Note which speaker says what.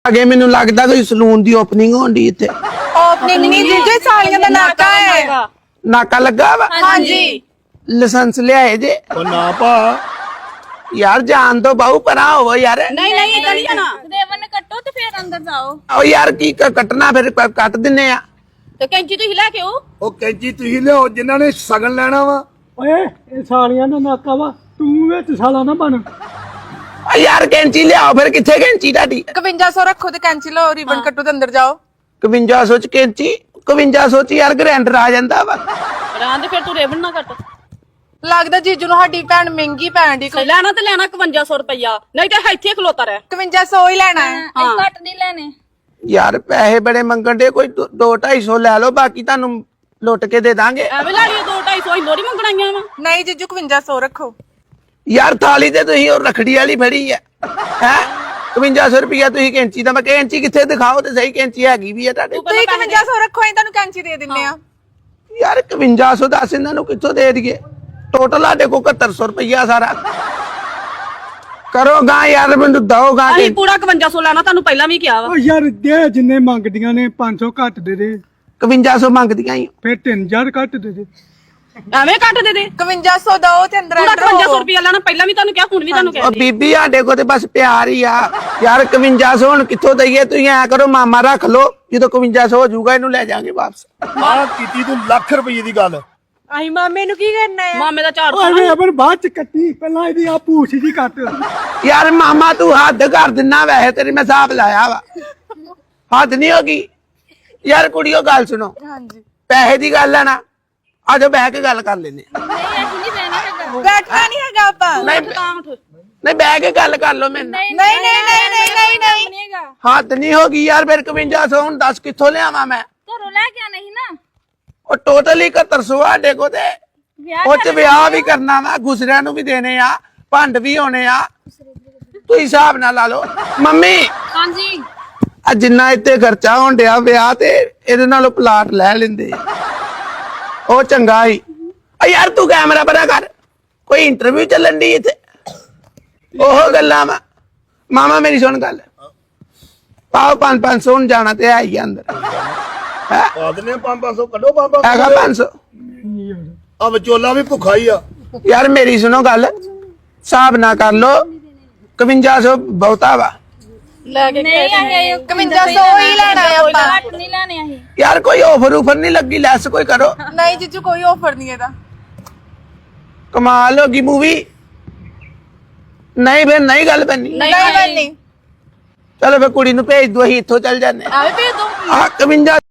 Speaker 1: अगे मैनू लगता कोई सलून की ओपनिंग होनी इत्थे।
Speaker 2: ओपनिंग नहीं जीजू सालियां दा नाका है।
Speaker 1: नाका लगा वा?
Speaker 2: हाँ जी।
Speaker 1: लाइसेंस लियाए जे?
Speaker 3: ना पा
Speaker 1: यार जान दो बाहू परा हो यार।
Speaker 2: नहीं नहीं इधर ही ना देवन ने कट्टो तो फिर अंदर जाओ।
Speaker 1: ओ यार की कटना फिर कट दिने आ।
Speaker 2: तो कैंची तो हिला के हो
Speaker 3: ਉਹ ਕੈਂਚੀ ਤੁਸੀਂ ਲਿਆਓ ਜਿਨ੍ਹਾਂ ਨੇ ਸਗਨ ਲੈਣਾ ਵਾ।
Speaker 4: ਓਏ ਇਹ ਸਾਲੀਆਂ ਦਾ ਨਾਕਾ ਵਾ ਤੂੰ ਵਿੱਚ ਸਾਲਾ ਨਾ ਬਣ।
Speaker 1: ओ यार कैंची लियाओ फिर किथे कैंची ढाडी?
Speaker 5: 5100 रखो ते कैंची लो रिबन कट्टो ते अंदर जाओ।
Speaker 1: 5100 च कैंची 5100 च यार ग्राइंडर आ जांदा वा।
Speaker 2: रांद फिर तू रेबन ना कट
Speaker 5: लगदा जीजू ਨੂੰ ਸਾਡੀ ਭੈਣ ਮਹਿੰਗੀ ਪੈਣ ਦੀ।
Speaker 2: ਲੈਣਾ ਤੇ ਲੈਣਾ 5100 ਰੁਪਇਆ ਨਹੀਂ ਤੇ ਇੱਥੇ ਖਲੋਤਾ ਰਹਿ
Speaker 5: 5100 ਹੀ ਲੈਣਾ ਹੈ।
Speaker 2: ਘੱਟ ਨਹੀਂ ਲੈਣੇ
Speaker 1: यार पैसे बड़े मंगन दे कोई 2-250 ले लो बाकी तानू लुट के दे दांगे।
Speaker 2: ਐਵੇਂ ਲਾ ਲਿਓ 2-250 ਲੋੜੀ ਮੰਗਣਾਈਆਂ ਵਾ
Speaker 5: नहीं जीजू 5100 रखो।
Speaker 1: यार थाली ते तुही और रखड़ी वाली फड़ी है हैं 5100 रुपया तुही कैंची दा मैं कैंची किथे दिखाओ ते सही कैंची हैगी भी है ताडे।
Speaker 5: ਤੁਸੀਂ 5100 ਰੱਖੋ ਅਸੀਂ ਤੁਹਾਨੂੰ ਕੈਂਚੀ ਦੇ ਦਿੰਨੇ ਆ।
Speaker 1: यार 5100 दस इन्हां नू कित्थों दे दिए टोटल साडे को 7100 रुपया सारा करो गा यार मैनू दो गा
Speaker 2: ਅਸੀਂ ਪੂਰਾ 5100 ਲੈਣਾ ਤੁਹਾਨੂੰ ਪਹਿਲਾਂ ਵੀ ਕਿਹਾ ਵਾ
Speaker 4: ਓ ਯਾਰ ਦੇ ਜਿੰਨੇ ਮੰਗਦੀਆਂ ਨੇ 500 ਘੱਟ ਦੇ ਦੇ
Speaker 1: 5100 ਮੰਗਦੀਆਂ ਹੀ
Speaker 4: ਫਿਰ 3000 ਘੱਟ ਦੇ ਦੇ।
Speaker 2: ਐਵੇਂ ਕੱਟ ਦੇ ਦੇ
Speaker 5: 5100 ਦੋ ਤੇ ਅੰਦਰ
Speaker 2: ਪੂਰਾ
Speaker 5: ਐਂਟਰ
Speaker 2: 5100
Speaker 5: ਹੋ।
Speaker 2: ਰੁਪਇਆ ਲੈਣਾ ਪਹਿਲਾਂ ਵੀ ਤੁਹਾਨੂੰ ਕਿਹਾ ਹੁਣ ਵੀ ਤੁਹਾਨੂੰ
Speaker 1: ओ
Speaker 2: ਕਿਹਾ
Speaker 1: बीबी साडे को ते बस प्यार ही आ यार 5100 हुण कित्थों दईए तुही ऐ करो मामा रख लो ਜਦੋਂ 5100 हो जाऊगा इनू ले जाएंगे वापस।
Speaker 3: ਆਹ ਕੀਤੀ ਤੂੰ ਲੱਖ ਰੁਪਏ ਦੀ ਗੱਲ।
Speaker 5: ਅਸੀਂ ਮਾਮੇ ਨੂੰ ਕੀ ਕਰਨਾ ਹੈ?
Speaker 2: ਮਾਮੇ ਦਾ ਝਾੜ
Speaker 4: ਓਏ ਅਬਰ ਬਾਅਦ ਚ ਕੱਟੀ ਪਹਿਲਾਂ ਇਹਦੀ ਆ ਪੂਛ ਜੀ ਕੱਟ।
Speaker 1: यार मामा तू हद कर दिना वैसे तेरी मैं हिसाब लाया वा हद नहीं होगी यार कुड़ियो गल सुनो
Speaker 5: हाँ जी
Speaker 1: पैसे की गल है ना आज बह के गल कर लेने
Speaker 5: बैठना नहीं हैगा ਆਪਾਂ।
Speaker 1: नहीं बह के गल कर लो मैंने
Speaker 5: नहीं नहीं नहीं नहीं नहीं नहीं
Speaker 1: हद नहीं होगी यार फिर 5100 हुण 10 कित्थों लियावां मैं
Speaker 2: ਘਰੋਂ ਲੈ ਕੇ ਨਹੀਂ ਨਾ
Speaker 1: और टोटल ही 7100 साडे को ते ਉਹ ਚ ਵਿਆਹ ਵੀ ਕਰਨਾ ਵਾ ਗੁਸਰਿਆਂ ਨੂੰ ਵੀ ਦੇਣੇ ਆ ਭੰਡ ਵੀ ਹੋਣੇ ਆ ਤੂੰ ਹਿਸਾਬ ਨਾਲ ਲਾ ਲਓ ਮੰਮੀ
Speaker 2: ਹਾਂਜੀ
Speaker 1: ਆ ਜਿੰਨਾ ਇੱਥੇ ਖਰਚਾ ਹੋਣ ਡਿਆ ਵਿਆਹ ਤੇ ਇਹਦੇ ਨਾਲੋਂ ਪਲਾਟ ਲੈ ਲੈਂਦੇ ਉਹ ਚੰਗਾ ਹੀ ਆ ਯਾਰ ਤੂੰ ਕੈਮਰਾ ਪਰਾ ਕਰ ਕੋਈ ਇੰਟਰਵਿਊ ਚੱਲਣ ਦੀ ਇੱਥੇ ਉਹ ਗੱਲਾਂ ਵਾ ਮਾਮਾ ਮੇਰੀ ਸੁਣ ਗੱਲ ਪਾਓ 500 ਹੁਣ ਜਾਣਾ ਤੇ ਹੈ ਹੀ ਅੰਦਰ
Speaker 3: ਪਾ ਦਿੰਦੇ 500 ਕੱਢੋ 500
Speaker 1: ਹੈਗਾ 500
Speaker 3: ਆ ਵਿਚੋਲਾ ਵੀ ਭੁੱਖਾ ਹੀ ਆ।
Speaker 1: यार मेरी सुनो गल हिसाब ना कर लो 5100 बहुता वा
Speaker 2: ਲੈ ਕੇ ਨਹੀਂ ਆਏ
Speaker 5: 5100 ही लेना है ਆਪਾਂ।
Speaker 2: ਨਹੀਂ ਲੈਣੇ ਅਸੀਂ
Speaker 1: यार कोई ऑफर उफर नहीं लगी लेस कोई करो
Speaker 5: नहीं जीजू कोई ऑफर नहीं है दा।
Speaker 1: कमाल होगी मूवी नहीं फिर नहीं गल बननी
Speaker 5: नहीं बननी।
Speaker 1: चलो फिर कुड़ी नू भेज दो असीं इत्थों चल जाने
Speaker 2: ਆਵੇ ਭੇਜ ਦੋ
Speaker 1: आ 51